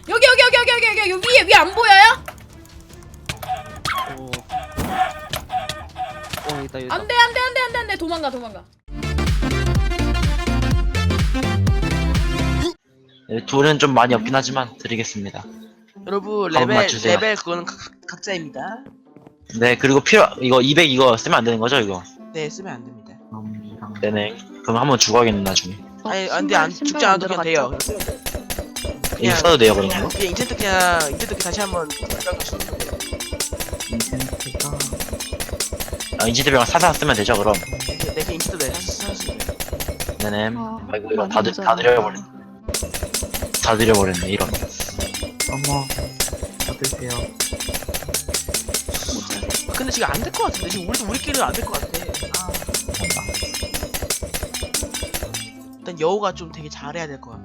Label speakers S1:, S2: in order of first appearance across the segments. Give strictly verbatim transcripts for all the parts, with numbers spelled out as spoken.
S1: 여기 여기 여기 여기 여기 여기 여기 위에 위에 안 보여요?
S2: 어. 어 있다 있다.
S1: 안돼 안돼 안돼 안돼 안돼 도망가 도망가.
S3: 네, 둘은 좀 많이 없긴 하지만 드리겠습니다.
S2: 여러분
S3: 한번
S2: 레벨
S3: 맞추세요.
S2: 레벨 그거는 각, 각자입니다.
S3: 네, 그리고 필요 이거 이백 이거 쓰면 안 되는 거죠, 이거?
S2: 네 쓰면 안 됩니다.
S3: 네네. 그럼 한번 죽어야겠네 나중에.
S2: 아니 안돼 안 죽지 않아도 그냥 돼요.
S3: 이거
S2: 그냥
S3: 써도 돼요, 그런 거?
S2: 그냥 인챈트 그냥 인챈트 다시 한번 생각하시면 돼요.
S4: 인센트가
S3: 아, 인지대병 사사 쓰면 되죠, 그럼?
S2: 네, 네 그냥 인챈트 네 하시면 돼요.
S3: 네네.
S4: 아,
S3: 아이고 이런
S4: 많이
S3: 다, 드, 다 드려버렸네. 다 드려버렸네, 이런.
S4: 어머 받으세요.
S2: 아, 근데 지금 안 될 것 같은데 지금 우리도 우리끼리는 안 될 것 같아. 아, 일단 여우가 좀 되게 잘해야 될 것 같아.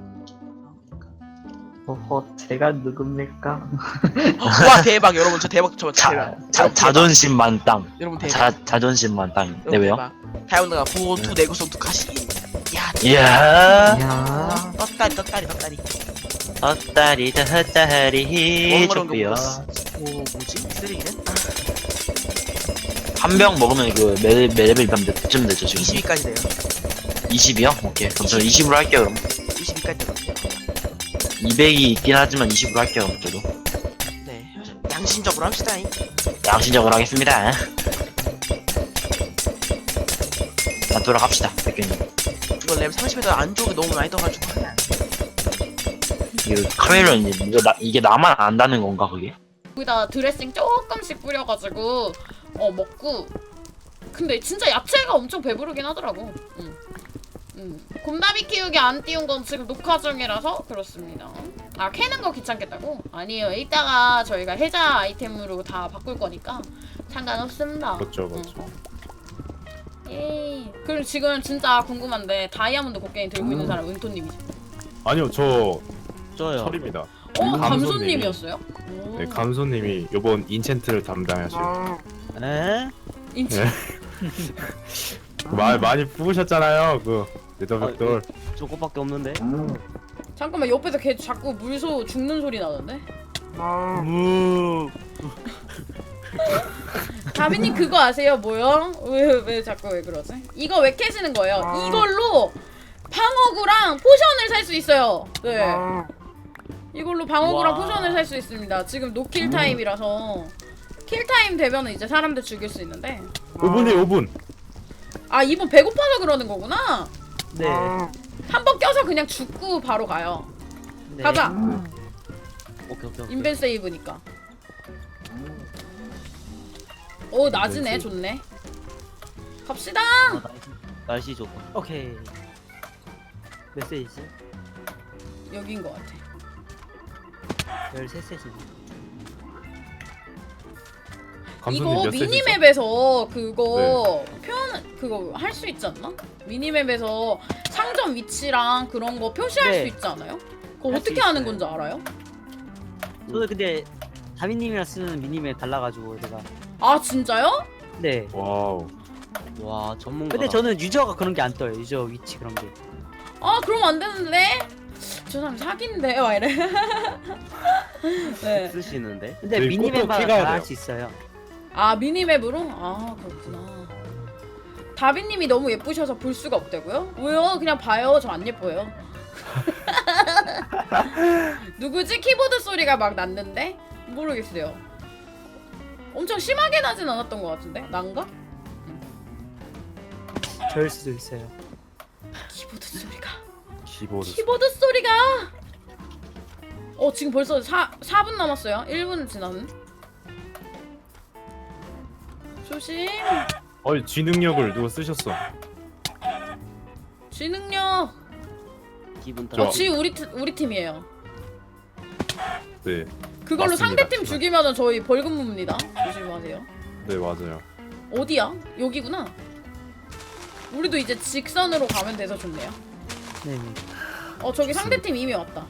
S4: 어허 제가 누굽니까?
S2: 와 대박 여러분 저 대박 저
S3: 자,
S2: 대박.
S3: 자,
S2: 여러분,
S3: 자존심 만땅.
S2: 여러분 대박.
S3: 자, 자존심 만땅. 네, 왜요?
S2: 다이아몬드가 보호투 내구성 두 가시. 야,
S3: 이야.
S4: 이야
S2: 떴다리 떴다리 떴다리.
S3: 헛다리 헛다리
S2: 멍거렁
S3: 좋고요.
S2: 오 뭐지? 쓰레기는?
S3: 한 병 먹으면 그 매, 매레벨 몇쯤 되죠 지금?
S2: 이십이까지 돼요.
S3: 이십이요? 오케이. 그럼 저 이십으로 할게요 그럼.
S2: 이십이까지 되거든요.
S3: 이백이 있긴 하지만 이십으로 할게요 그럼 저도.
S2: 네, 양심적으로 합시다.
S3: 양심적으로 하겠습니다. 자 돌아갑시다 백규님.
S2: 이거 램 삼십에서 안 좋은 게 너무 많이 떠가지고 하면 안 돼.
S3: 이거 카멜론 이거 나, 이게 나만 안다는 건가 그게?
S1: 거기다 드레싱 조금씩 뿌려가지고 어 먹고. 근데 진짜 야채가 엄청 배부르긴 하더라고. 응. 응. 곰다비 키우기 안 띄운 건 지금 녹화 중이라서 그렇습니다. 아 캐는 거 귀찮겠다고? 아니에요. 이따가 저희가 해자 아이템으로 다 바꿀 거니까 상관없습니다.
S5: 맞죠, 맞죠.
S1: 응. 예. 그리고 지금 진짜 궁금한데 다이아몬드 곡괭이 들고 있는 사람 은토님이죠?
S5: 아니요, 저
S2: 저요.
S5: 철입니다.
S1: 어?
S5: 감소님이.
S1: 감소님이었어요? 오.
S5: 네, 감소님이 요번 인챈트를 담당하실.
S2: 에?
S1: 인치.
S5: 네. 말 많이 부으셨잖아요, 그 네더벽돌.
S2: 저거밖에 없는데.
S1: 잠깐만 옆에서 걔 자꾸 물소 죽는 소리 나던데?
S2: 무.
S1: 다비님 그거 아세요? 뭐요? 왜, 왜 자꾸 왜 그러지? 이거 왜 캐시는 거예요? 이걸로 방어구랑 포션을 살 수 있어요. 네. 이걸로 방어구랑
S2: 와.
S1: 포션을 살 수 있습니다. 지금 노킬 타임이라서 킬 타임 되면은 이제 사람들 죽일 수 있는데.
S5: 오 분이에요, 오 분.
S1: 아 이분 배고파서 그러는 거구나.
S2: 네.
S1: 한 번 껴서 그냥 죽고 바로 가요.
S2: 네.
S1: 가자.
S2: 오케이 오케이. 오케이.
S1: 인벤 세이브니까. 오 낮이네.
S5: 인벤 세이브.
S1: 좋네. 갑시다.
S2: 아, 날씨, 날씨 좋고. 오케이. 메시지
S1: 여긴 것 같아.
S2: 열세 세지.
S5: 감소님
S1: 이거
S5: 몇 세시죠?
S1: 미니맵에서 그거 표현 그거 할 수 있지 않나? 미니맵에서 상점 위치랑 그런 거 표시할
S2: 네.
S1: 수 있지 않아요? 그거
S2: 할수
S1: 어떻게 하는
S2: 있어요.
S1: 건지 알아요?
S6: 저도 근데 다미님이랑 쓰는 미니맵 달라가지고 제가
S1: 아 진짜요?
S6: 네
S5: 와우.
S2: 와 전문가.
S6: 근데 저는 유저가 그런 게 안 떠요. 유저 위치 그런 게.
S1: 아 그럼 안 되는데? 저 사람 사기인데 와 이래. 네.
S2: 쓰시는데.
S6: 근데
S5: 저희
S6: 미니맵마다
S5: 꽃도 키가야
S6: 다 할
S5: 돼요.
S6: 수 있어요.
S1: 아 미니맵으로? 아 그렇구나. 다비님이 너무 예쁘셔서 볼 수가 없다고요? 왜요? 그냥 봐요. 저 안 예뻐요. 누구지? 키보드 소리가 막 났는데? 모르겠어요. 엄청 심하게 나진 않았던 것 같은데? 난가?
S6: 저일 수도 있어요.
S1: 키보드 소리가
S5: 키보드.
S1: 키보드 소리가 어 지금 벌써 사, 사 분 남았어요. 일 분 지났네. 조심.
S5: 어이, G 능력을 누가 쓰셨어?
S1: G 능력.
S2: 기분
S5: 저-
S1: 어, G 우리 팀- 우리 팀이에요.
S5: 네,
S1: 그걸로
S5: 맞습니다.
S1: 상대팀 죽이면은 저희 벌금 묻습니다. 조심하세요.
S5: 네 맞아요.
S1: 어디야? 여기구나. 우리도 이제 직선으로 가면 돼서 좋네요.
S6: 네.
S1: 어 저기 상대팀 이미 왔다.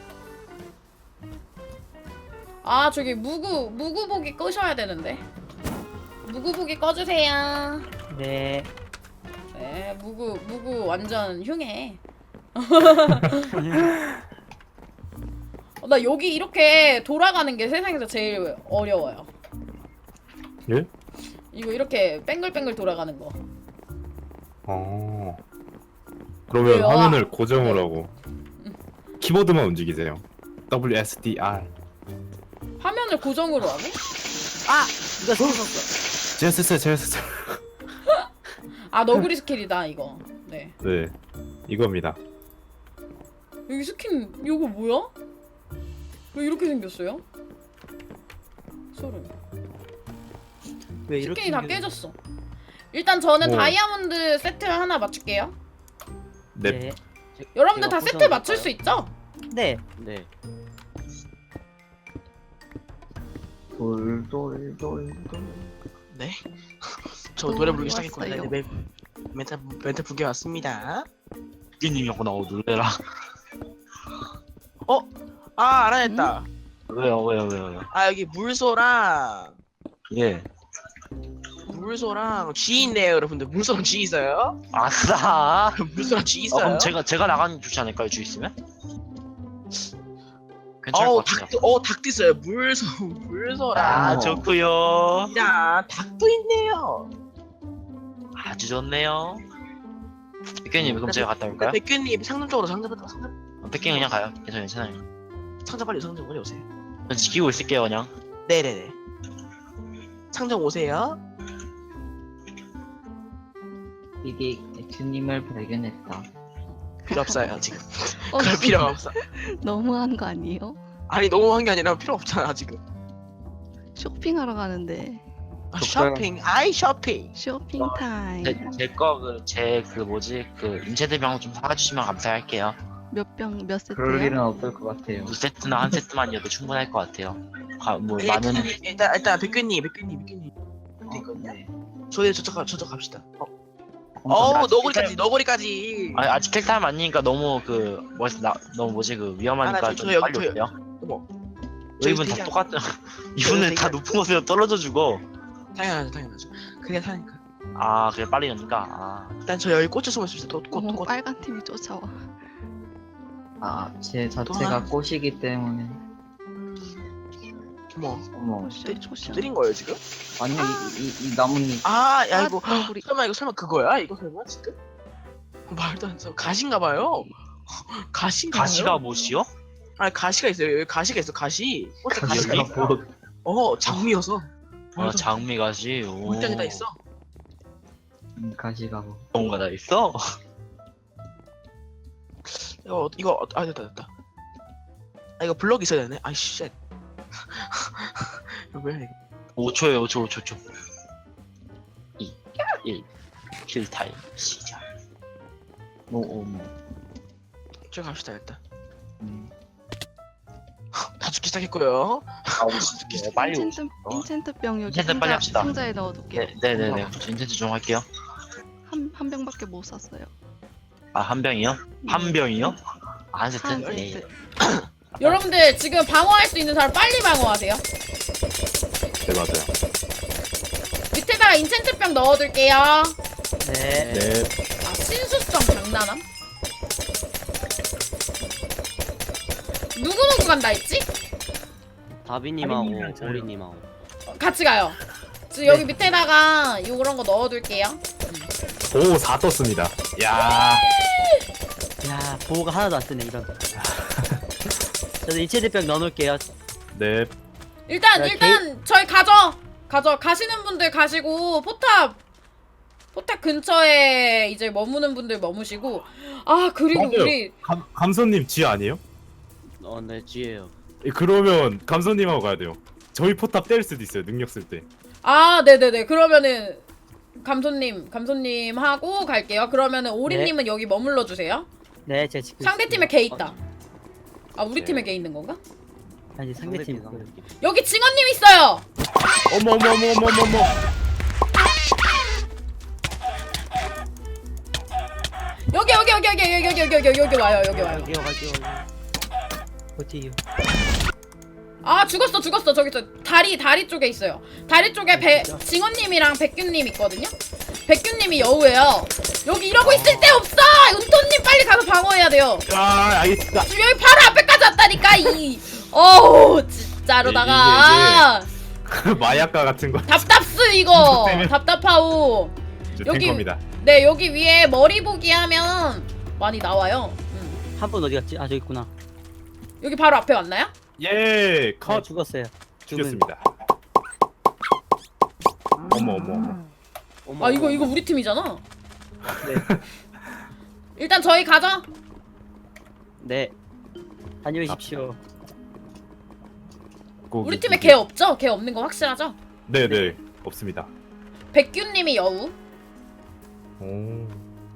S1: 아 저기 무구 무구보기 끄셔야 되는데. 무구보기 꺼주세요.
S6: 네.
S1: 네 무구 무구 완전 흉해. 어, 나 여기 이렇게 돌아가는 게 세상에서 제일 어려워요.
S5: 예?
S1: 이거 이렇게 뱅글뱅글 돌아가는 거.
S5: 어. 그러면
S1: 왜요?
S5: 화면을 고정을
S1: 네.
S5: 하고 키보드만 움직이세요. 더블유 에스 디 알.
S1: 화면을 고정으로 하게?
S6: 아 누가 썼었어.
S5: 제가 썼어요. 제가 썼어요.
S1: 아 너구리 스킬이다 이거. 네.
S5: 네. 이겁니다.
S1: 여기 스킨 이거 뭐야? 왜 이렇게 생겼어요? 소름.
S6: 왜 이렇게
S1: 스킨이 다
S6: 생겼-
S1: 깨졌어. 일단 저는
S5: 뭐.
S1: 다이아몬드 세트 하나 맞출게요.
S5: 네.
S6: 네.
S1: 여러분들
S6: 제가
S1: 다 세트
S6: 포션
S1: 맞출
S6: 할까요?
S1: 수 있죠?
S6: 네.
S2: 네.
S4: 돌돌돌돌.
S7: 네. 저 노래 부르기
S8: 왔어요.
S7: 시작했거든요. 네, 멘트 멘트 부게 왔습니다.
S3: 피디님이었구나. 어, 놀래라.
S7: 어? 아 알아냈다.
S3: 왜요, 왜요, 왜요, 왜요?
S7: 아 여기 물소랑
S3: 예.
S7: 물소랑 G 있네요, 여러분들. 물소랑 G 있어요?
S3: 아싸!
S7: 물소랑 G
S3: 어,
S7: 있어요?
S3: 그럼 제가, 제가 나가는 게 좋지 않을까요, 주 있으면? 괜찮을
S7: 어우
S3: 것 같아요.
S7: 닭도 어 닭도 있어요. 물소 물소랑.
S3: 아, 좋구요.
S7: 야 닭도 있네요.
S3: 아주 좋네요. 백현님, 그럼 제가 갔다 올까요?
S7: 백규님 상점 쪽으로 상점 상점
S3: 백현 그냥 가요. 괜찮아요, 괜찮아요.
S7: 상점 빨리 상점 빨리 오세요.
S3: 전 지키고 있을게요, 그냥.
S7: 네네네. 상점 오세요.
S4: 이게 주님을 발견했다.
S7: 필요 없어요 지금.
S8: 어,
S7: 그럴 필요가 없어.
S8: 너무한 거 아니에요?
S7: 아니 너무한 게 아니라 필요 없잖아 지금.
S8: 쇼핑하러 가는데
S7: 아, 쇼핑 아이 쇼핑.
S8: 쇼핑 타임.
S3: 제, 제 거, 그, 제, 그, 뭐지, 그, 인체대병 좀 사가주시면 감사할게요.
S8: 몇 병 몇
S4: 그럴 일은
S8: 세트요?
S4: 없을 것 같아요.
S3: 두 세트나 한 세트만이어도 충분할 것 같아요. 가, 뭐,
S7: 예,
S3: 많은,
S7: 일단 일단 백규님 백규님 백규님.
S4: 어, 네.
S7: 저희 저쪽 가 저쪽 갑시다. 어,
S4: 어,
S7: 어
S3: 아직
S7: 너구리까지 너구리까지.
S3: 아니, 아직 킬타임 아니니까 너무 그, 뭐, 나, 너무 뭐지, 그, 위험하니까
S7: 아, 나 저-
S3: 좀
S7: 저 여기-
S3: 빨리
S7: 저-
S3: 오세요.
S7: 어머.
S3: 이분
S7: 저기
S3: 다
S7: 되게-
S3: 똑같죠. 이분은 다
S7: 되게-
S3: 높은 곳에서 떨어져 죽어.
S7: 당연하죠 당연하죠. 그게 사니까.
S3: 아, 그래, 빨리 오니까. 아,
S7: 일단 저 여기 꽃에 숨어 있습니다.
S8: 어머,
S7: 또꽃꽃
S8: 빨간 팀이 쫓아와.
S4: 아, 제
S7: 또
S4: 자체가
S7: 하나?
S4: 꽃이기 때문에.
S7: 어머
S4: 어머.
S8: 포션 포션.
S7: 때린 거예요 지금?
S4: 아니 이, 이, 이 나뭇잎.
S7: 아, 야
S8: 아,
S7: 이거
S8: 너구리.
S7: 설마 이거 설마 그거야? 이거 설마 지금? 말도 안 돼. 가시인가 봐요. 가시인가
S3: 가시가
S7: 봐요.
S3: 뭐시요?
S7: 아니 가시가 있어요. 여기 가시가 있어. 가시. 꽃에 가시가
S3: 여기?
S7: 있어.
S4: 뭐,
S7: 어, 장미여서.
S3: 아, 장미 가시. 오.
S7: 물장에다 있어.
S4: 음, 가시가 뭐.
S3: 뭔가 다 있어?
S7: 이거 이거 어, 아 됐다 됐다. 아 이거 블럭 있어야 되네. 아이 쉣. 이거 뭐야 이거?
S3: 오 초에요, 오 초, 오 초, 오 초. 이, 일. 킬타임 시작.
S4: 뭐, 어, 뭐.
S7: 쭉 갑시다 일단.
S4: 음.
S7: 다 죽기 시작했고요.
S3: 아, 오십시오. 네, 빨리 오십시오.
S8: 인챈트, 인챈트 병 여기
S3: 인챈트
S8: 상자,
S3: 빨리 합시다.
S8: 상자에 넣어둘게요.
S3: 네, 네네네. 인텐트 좀 할게요.
S8: 한, 한 병밖에 못 샀어요.
S3: 아, 한 병이요? 한 병이요? 아, 한 세트?
S8: 한
S3: 네.
S8: 세트.
S1: 여러분들 지금 방어할 수 있는 사람 빨리 방어하세요.
S5: 네 맞아요.
S1: 밑에다가 인챈트병 넣어둘게요.
S6: 네.
S5: 네.
S1: 아 신수성 장난함? 누구누구 간다 했지?
S6: 다비님하고
S4: 다비님이랑 저요.
S6: 오리님하고.
S1: 같이 가요. 지금 여기 밑에다가 요런 거 넣어둘게요.
S5: 오, 사 떴습니다. 야.
S6: 야 보호가 하나도 안 뜨네 이런. 저도 인체대병 넣어놓을게요.
S5: 네.
S1: 일단
S6: 야,
S1: 일단 저희 가죠. 가죠. 가시는 분들 가시고 포탑 포탑 근처에 이제 머무는 분들 머무시고 아 그리고
S5: 맞아요.
S1: 우리
S5: 감, 감선님 지 아니에요?
S6: 어네 쥐예요.
S5: 예, 그러면 감선님하고 가야 돼요. 저희 포탑 때릴 수도 있어요. 능력 쓸 때.
S1: 아 네네네 그러면은 감소님 감소님 하고 갈게요. 그러면은 오리님은 여기 머물러 주세요.
S6: 네 제가 지금.
S1: 상대 팀에 개 있다. 아 우리
S5: 네.
S1: 팀에 개 있는 건가?
S6: 아니 상대팀.
S1: 여기 징어님 있어요.
S5: 어머 어머 어머 어머 어머 어머.
S1: 여기 여기 여기 여기 여기 여기 여기 여기 여기 와요 여기 와요.
S6: 여기요 갈게요. 어디요?
S1: 아 죽었어 죽었어 저기 저 다리 다리 쪽에 있어요. 다리 쪽에 배 징어님이랑 백균님 있거든요. 백균님이 여우예요. 여기 이러고 있을 데 없어. 은토님 빨리 가서 방어해야 돼요.
S5: 아, 알겠습니다.
S1: 지금 여기 바로 앞에까지 왔다니까 이 어우 진짜로다가
S5: 마약과 같은 거.
S1: 답답스 이거
S5: 때문에.
S1: 답답하오.
S5: 저
S1: 여기-
S5: 탱커입니다.
S1: 네 여기 위에 머리 보기 하면 많이 나와요. 음.
S6: 한 분 어디 갔지? 아 저기 있구나.
S1: 여기 바로 앞에 왔나요?
S5: 예,
S6: 네,
S5: 컷
S6: 죽었어요. 죽은.
S5: 죽였습니다. 어머 어머 어머.
S6: 어머,
S1: 아 이거
S6: 어머.
S1: 이거 우리 팀이잖아.
S6: 네.
S1: 일단 저희 가자.
S6: 네. 다녀오십시오.
S5: 고기,
S1: 우리 팀에
S5: 고기.
S1: 걔 없죠? 걔 없는 거 확실하죠?
S5: 네네 없습니다.
S1: 백규님이 여우.
S5: 오.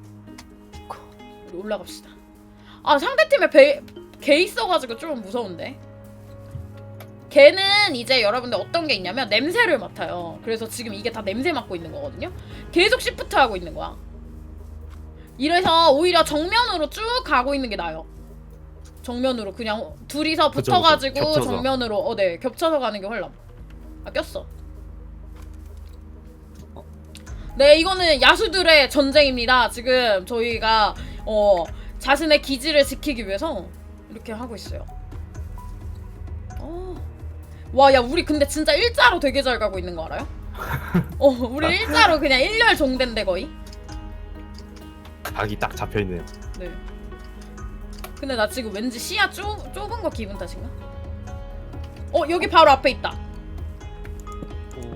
S1: 우리 올라갑시다. 아 상대팀에 배, 걔 있어가지고 좀 무서운데. 걔는 이제 여러분들 어떤 게 있냐면 냄새를 맡아요. 그래서 지금 이게 다 냄새 맡고 있는 거거든요. 계속 시프트 하고 있는 거야. 이래서 오히려 정면으로 쭉 가고 있는 게 나아요. 정면으로 그냥 둘이서
S5: 그쵸,
S1: 붙어가지고
S5: 그쵸. 겹쳐서.
S1: 정면으로 어네 겹쳐서 가는 게 훨씬. 아 꼈어. 네 이거는 야수들의 전쟁입니다. 지금 저희가 어 자신의 기지를 지키기 위해서 이렇게 하고 있어요. 어. 와, 야 우리 근데 진짜 일자로 되게 잘 가고 있는 거 알아요? 어 우리 일자로 그냥 일렬 종대인데 거의.
S5: 각이 딱 잡혀 있네요.
S1: 네. 근데 나 지금 왠지 시야 좁, 좁은 거 기분 탓인가? 어 여기 바로 앞에 있다.
S6: 오.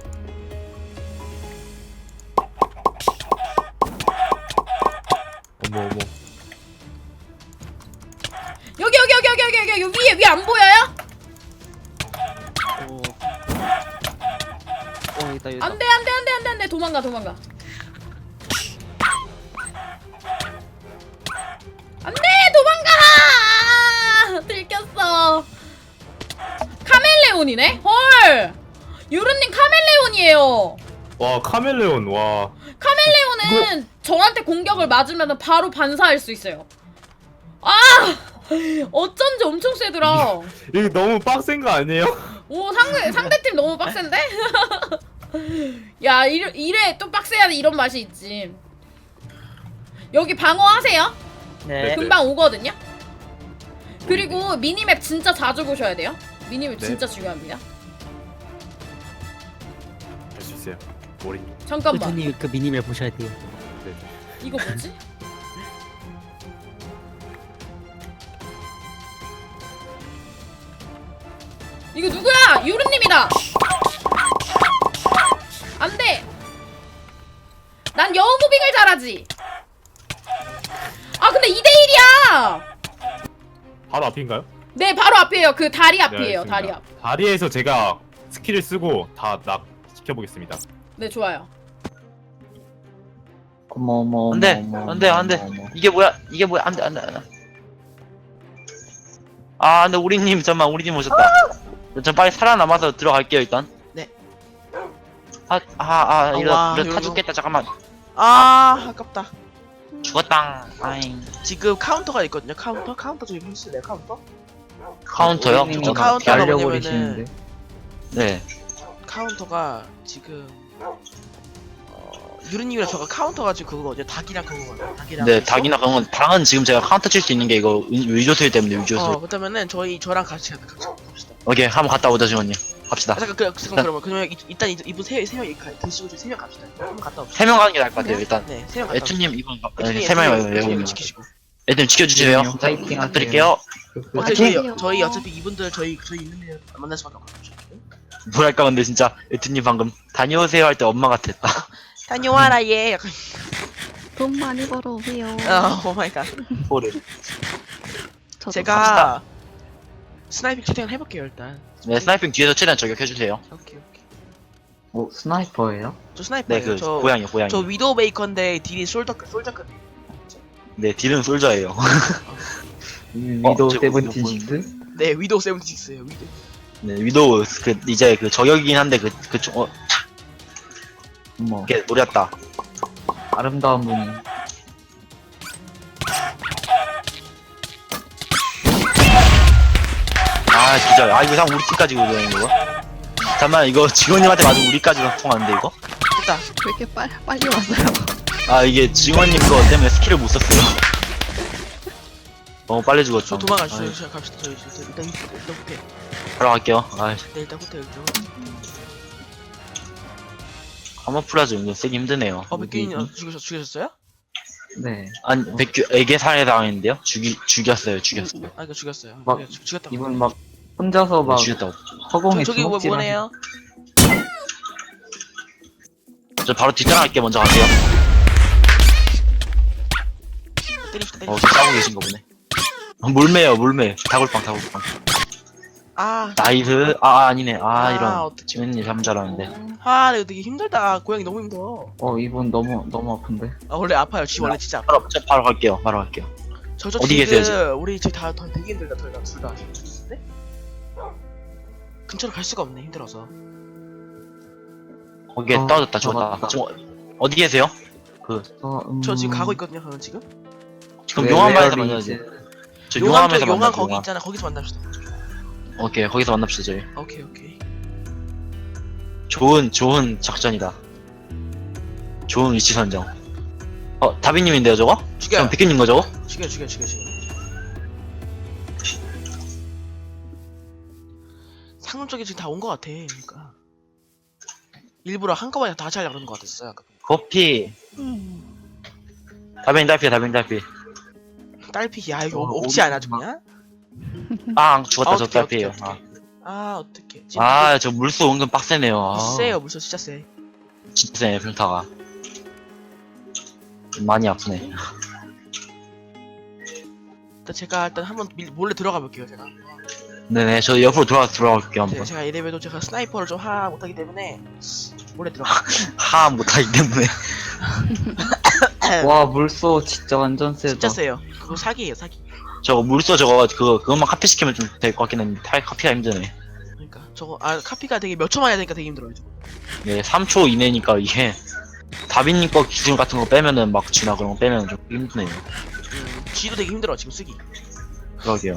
S5: 어머 어머.
S1: 여기 여기 여기 여기 여기 여기 여기 위에 위에 안 보여요?
S6: 오. 어 있다 있다.
S1: 안돼 안돼 안돼 안돼 안돼 도망가 도망가. 안돼 도망가. 들켰어. 카멜레온이네? 헐. 유르님 카멜레온이에요.
S5: 와 카멜레온 와.
S1: 카멜레온은 저한테 공격을 맞으면 바로 반사할 수 있어요. 아 어쩐지 엄청 세더라.
S5: 이거 너무 빡센 거 아니에요?
S1: 오 상대 상대팀 너무 빡센데? 야 이래, 이래 또 빡세야 돼 이런 맛이 있지. 여기 방어하세요.
S6: 네.
S1: 금방 오거든요. 그리고 미니맵 진짜 자주 보셔야 돼요. 미니맵
S5: 네.
S1: 진짜 중요합니다.
S5: 할 수 있어요. 머리.
S1: 잠깐만
S6: 님 그 미니맵 보셔야 돼요.
S5: 네.
S1: 이거 뭐지? 이거 누구야? 유르님이다. 안돼. 난 여우 무빙을 잘하지. 아 근데 이 대 일이야.
S5: 바로 앞인가요?
S1: 네 바로 앞이에요. 그 다리
S5: 네,
S1: 앞이에요.
S5: 알겠습니다.
S1: 다리 앞.
S5: 다리에서 제가 스킬을 쓰고 다 낙 시켜보겠습니다.
S1: 네 좋아요.
S4: 어머 어머
S3: 안돼
S4: 어머,
S3: 안돼
S4: 어머,
S3: 안돼
S4: 어머.
S3: 이게 뭐야 이게 뭐야 안돼 안돼 안돼. 아 근데 우리님 잠만 우리님 오셨다. 전 빨리 살아남아서 들어갈게요 일단.
S7: 네.
S3: 아아아
S7: 아,
S3: 이러
S7: 와,
S3: 이러 타
S7: 요요.
S3: 죽겠다 잠깐만.
S7: 아 아깝다.
S3: 죽었당. 아잉.
S7: 지금 카운터가 있거든요. 카운터 카운터 좀 해주실래요? 카운터?
S3: 카운터요?
S4: 우리님이
S7: 저
S3: 잠깐만.
S7: 카운터가
S3: 기다려.
S4: 날려버리시는데.
S3: 네.
S7: 카운터가 지금 어, 유르님이랑 저가 카운터가 지금 그거거든요. 닭이랑 그거거든요. 닭이랑.
S3: 네 닭이나 그런 건 방은 지금 제가 카운터 칠 수 있는 게 이거 위- 위조술 때문에 위조술.
S7: 어 그렇다면은 저희 저랑 같이 가자. 같이 갑시다.
S3: 오케이 한번 갔다 오자 지원님. 갑시다.
S7: 아 잠깐 그 잠깐 그러면 그러면 이- 일단 이- 이분 세세명 드시고 저희 세명 갑시다. 한번 갔다 옵시다.
S3: 세 명 가는 게 나을 것 같아요 일단.
S7: 네, 세 명 갔다 옵시다.
S3: 에투님 이번
S7: 에투님,
S3: 세 명이
S7: 에투님,
S3: 와요.
S7: 에투님
S3: 여기
S7: 지키시고.
S3: 애들 지켜주세요.
S4: 에투님, 파이팅 하세요.
S3: 부탁드릴게요.
S7: 어차피 저희,
S8: 화이팅!
S7: 저희 어차피 이분들 저희 저희 있는 데 만날 수밖에 없거든요.
S3: 뭐랄까 근데 진짜 에투님 방금 다녀오세요 할 때 엄마 같았다.
S7: 다녀와라 얘. 약간
S8: 돈 많이 벌어오세요.
S7: 어, 오 마이 갓.
S3: 소리.
S8: 저도
S7: 제가 스나이핑 채팅을 해볼게요 일단.
S3: 네 스나이핑 뒤에서 최대한 저격해주세요.
S7: 오케이 오케이.
S4: 어 스나이퍼예요?
S7: 저 스나이퍼예요.
S3: 네 그
S7: 저,
S3: 고양이 고양이.
S7: 저 위도우 메이커인데 딜이 솔더 솔저급.
S3: 네 딜은 솔저예요.
S4: 위도우
S3: 저
S4: 세븐틴식스?
S7: 네 위도우 세븐티식스예요. 위도우.
S3: 네 위도우 그 이제 그 저격이긴 한데 그그 어,
S4: 어머
S3: 이게 노렸다.
S4: 아름다운 분이.
S3: 아 진짜 아 이거 상 우리 팀까지 오는 이거. 잠깐만 이거 직원님한테 맞으면 우리까지 통하는데 이거?
S7: 됐다.
S8: 왜 이렇게 빨, 빨리 왔어요?
S3: 아 이게 직원님 거 때문에 스킬을 못 썼어요. 너무 빨리 죽었죠.
S7: 저 도망가시죠.
S3: 아이,
S7: 저희 갑시다. 저희 저희 일단 일단 일단 호텔.
S3: 바로 갈게요. 아,
S7: 네 일단 호텔 일단.
S3: 카모플라즈 은근 쓰기 힘드네요.
S7: 어 백규님 죽으셨 죽으셨어요?
S4: 네.
S3: 아니, 백규에게 살해당했는데요? 죽이, 죽였어요, 죽였어요.
S7: 아 이거 죽였어요.
S4: 막
S7: 네, 죽- 죽였다고.
S4: 이분 막 혼자서 막
S3: 죽였다고.
S4: 허공에
S7: 저, 저기 뭐
S4: 주먹질
S7: 뭐네요?
S3: 저 바로 뒷장할게 먼저 갈게요.
S7: 때리시다
S3: 어,
S7: 때리시다.
S3: 싸우고 계신가 보네. 어, 물매요, 물매. 다굴빵, 다굴빵.
S7: 아.
S3: 나이스. 아, 아니네. 아,
S7: 아,
S3: 이런.
S7: 어떡해.
S3: 지민님 참 잘하는데.
S7: 아, 내가 되게 힘들다. 고양이 너무 힘들어.
S4: 어 이분 너무 너무 아픈데.
S7: 아, 원래 아파요. 지 원래 진짜 아파.
S3: 바로, 저 바로 갈게요, 바로 갈게요.
S7: 저저
S3: 어디
S7: 지금
S3: 계세요, 지금?
S7: 우리 지금 다, 다 되게 힘들다. 둘 다, 둘 다. 네? 근처로 갈 수가 없네. 힘들어서.
S3: 거기에
S4: 어,
S3: 떨어졌다, 죽었다.
S4: 잡았다.
S3: 지금 어- 어디 계세요? 그,
S4: 저, 음...
S7: 저 지금 가고 있거든요. 저는 지금.
S3: 지금
S4: 네,
S3: 용암바에서
S4: 레어리
S3: 만나야지.
S4: 이제-
S3: 저
S7: 용암
S3: 용암에서
S7: 쪽 용암
S3: 만나죠,
S7: 거기
S3: 용암.
S7: 있잖아. 거기서 만납시다.
S3: 오케이, 거기서 만납시다, 저희.
S7: 오케이 오케이.
S3: 좋은, 좋은 작전이다. 좋은 위치 선정. 어, 다비님인데요, 저거?
S7: 죽여요.
S3: 그럼 비키님 거 저거?
S7: 죽여 죽여 죽여 죽여. 상점 쪽에 지금 다 온 것 같아. 그러니까 일부러 한꺼번에 다 하려고 그러는 것 같았어요. 아까.
S3: 커피. 다빈 달피, 다빈 달피.
S7: 딸피 야 이거
S4: 어,
S7: 없지 않아 죽냐?
S3: 아, 죽었다,
S7: 아,
S3: 저
S7: 어떡해,
S3: 달피에요.
S7: 어떡해,
S3: 아,
S7: 어떡해. 아 어떡해.
S3: 아, 저 물소 은근 빡세네요. 아,
S7: 세요 물소 진짜 세.
S3: 진짜 세네, 평타가. 많이 아프네.
S7: 일단 제가 일단 한번 밀- 몰래 들어가 볼게요 제가.
S3: 네네, 저 옆으로 돌아가 들어갈게요,
S7: 제-
S3: 한번.
S7: 제가 이래봬도 제가 스나이퍼를 좀 하 못하기 때문에 몰래 들어가.
S3: 하 못하기 때문에.
S4: 와 물소 진짜 완전 세다.
S7: 진짜 세요. 그거 사기예요 사기.
S3: 저거 물소 저거, 그거, 그것만 카피 시키면 좀 될 것 같긴 한데, 탈 카피가 힘드네.
S7: 그러니까 저거 아 카피가 되게 몇 초만 해야 되니까 되게 힘들어요. 저거.
S3: 네, 삼 초 이내니까 이게, 다빈님 거 기술 같은 거 빼면은 막 지나 그런 거 빼면 좀 힘드네요.
S7: 음, 쥐도 되게 힘들어 지금 쓰기.
S3: 그러게요.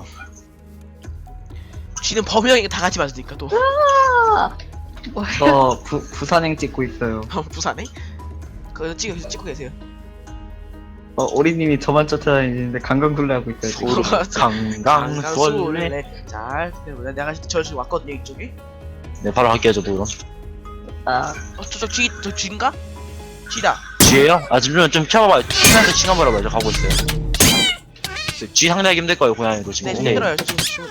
S7: 쥐는 범형에게 다 같이 맞으니까 또.
S8: 뭐야?
S4: 저 부, 부산행 찍고 있어요.
S7: 부산에? 그거 찍고 찍고 계세요.
S4: 어 오리님이 저만 쫓아다니는데 강강술래 하고 있어요. 지금.
S3: 소름, 강강술래.
S7: 강강술래. 잘. 내가 내가 저 지금 왔거든요 이쪽에.
S3: 네, 바로 할게요, 저도 그럼.
S4: 아
S7: 어, 저저 쥐, 저 쥐인가? 쥐다.
S3: 쥐예요? 아, 지금 좀 쳐봐봐요. 치면서 칭해버려봐요. 저 가고 있어요. 쥐 상대하기 힘들 거예요, 고양이도 지금.
S7: 네,
S3: 근데
S7: 힘들어요. 저 지금 지금.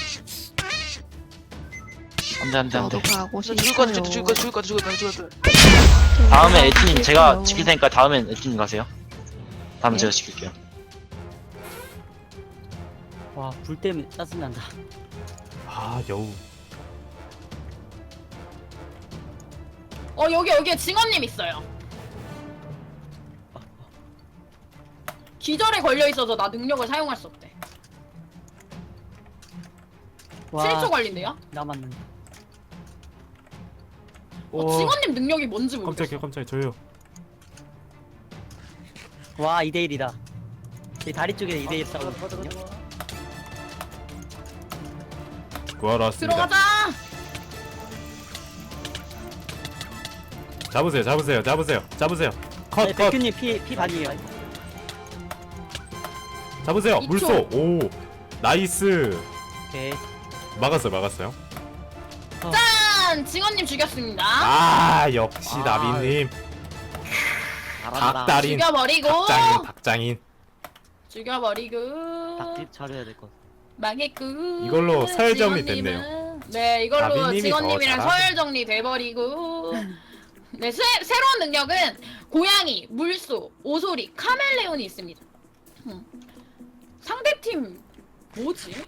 S3: 안 돼, 안 돼, 안 돼.
S8: 저도 가고
S7: 저
S8: 싶어요.
S7: 죽을 것 같아, 죽을 것 같아, 죽을 것 같아, 죽을 것 같아, 죽을 것 같아.
S3: 다음에 에티님, 제가
S8: 싶어요.
S3: 지킬 테니까 다음엔 에티님 가세요. 다음에
S8: 네.
S3: 제가 지킬게요.
S6: 와, 불 때문에 짜증난다.
S5: 아 여우.
S1: 어 여기 여기에 징어님 있어요. 기절에 걸려 있어서 나 능력을 사용할 수 없대.
S6: 와,
S1: 칠 초 걸린대요.
S6: 남았는데.
S1: 어, 징어님 능력이 뭔지 모르겠어.
S5: 깜짝이야 깜짝이야 저요.
S6: 와, 이 대 일이다. 이 다리 쪽에 이 대 일 싸우고 있거든요.
S5: 구하러 왔습니다.
S1: 들어가자.
S5: 잡으세요 잡으세요 잡으세요 잡으세요. 컷
S6: 네,
S5: 컷.
S6: 백규님 피, 피 반이에요.
S5: 잡으세요.
S1: 이
S5: 물소.
S1: 초.
S5: 오. 나이스.
S6: 오케이.
S5: 막았어요 막았어요.
S1: 짠! 징어님 죽였습니다.
S5: 아 역시
S6: 아.
S5: 나비님.
S6: 잘한다.
S5: 닭다린.
S1: 죽여버리고.
S5: 닭장인 닭장인.
S1: 죽여버리고.
S6: 닭집 잘해야 될 것 같아.
S1: 망했고.
S5: 이걸로 서열 정리
S1: 징어님은-
S5: 됐네요.
S1: 네, 이걸로
S5: 나비님이
S1: 직원님이랑
S5: 더 잘하네.
S1: 서열 정리 돼버리고. 네, 새, 새로운 능력은 고양이, 물소, 오소리, 카멜레온이 있습니다. 음. 상대팀 뭐지?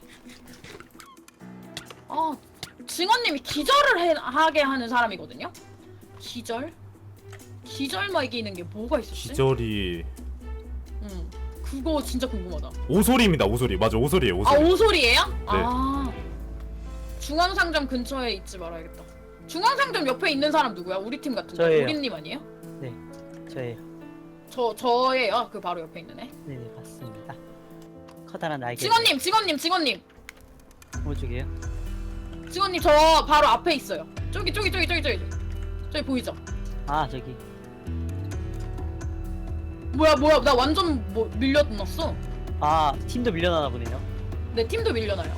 S1: 아, 증언님이 기절을 해, 하게 하는 사람이거든요. 기절? 기절만 이기는 게 뭐가 있었지?
S5: 기절이
S1: 응, 그거 진짜 궁금하다.
S5: 오소리입니다. 오소리 맞아 오소리예요
S1: 아,
S5: 오소리.
S1: 오소리예요? 아, 중앙상점 근처에 있지 말아야겠다. 중앙상점 옆에 있는 사람 누구야? 우리 팀 같은데.
S6: 저예요.
S1: 우리님 아니에요?
S6: 저예요.
S1: 저 저예요. 그 바로 옆에 있는 애.
S6: 네, 네, 맞습니다. 커다란 날개.
S1: 직원님, 직원님, 직원님,
S6: 뭐 쪽이에요?
S1: 직원님 저 바로 앞에 있어요. 저기 저기 저기 저기 저기 저기 보이죠?
S6: 아, 저기.
S1: 뭐야 뭐야 나 완전 뭐 밀려났어.
S6: 아 팀도 밀려나나 보네요.
S1: 내 팀도 밀려나요.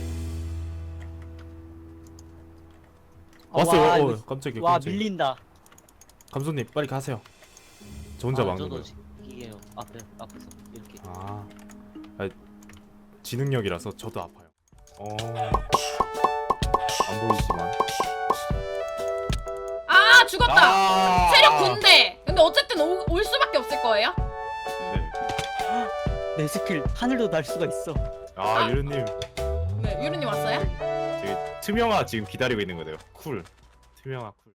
S6: 아,
S5: 왔어요.
S6: 와,
S5: 어,
S6: 이거-
S5: 깜짝이야.
S6: 와
S5: 깜짝이야.
S6: 밀린다.
S5: 감독님 빨리 가세요. 저 혼자
S6: 아,
S5: 막는
S6: 저도
S5: 거예요.
S6: 지- 이게 앞에 앞에서 이렇게.
S5: 아, 아, 지능력이라서 저도 아파요. 어, 안 보이지만.
S1: 아 죽었다.
S5: 아!
S1: 체력 군대. 근데 어쨌든 오, 올 수밖에 없을 거예요.
S5: 네.
S6: 내 스킬 하늘도 날 수가 있어.
S5: 아, 유르님,
S1: 네 유루님 왔어요?
S5: 저기 투명화 지금 기다리고 있는 거네요. 쿨, 투명화 쿨.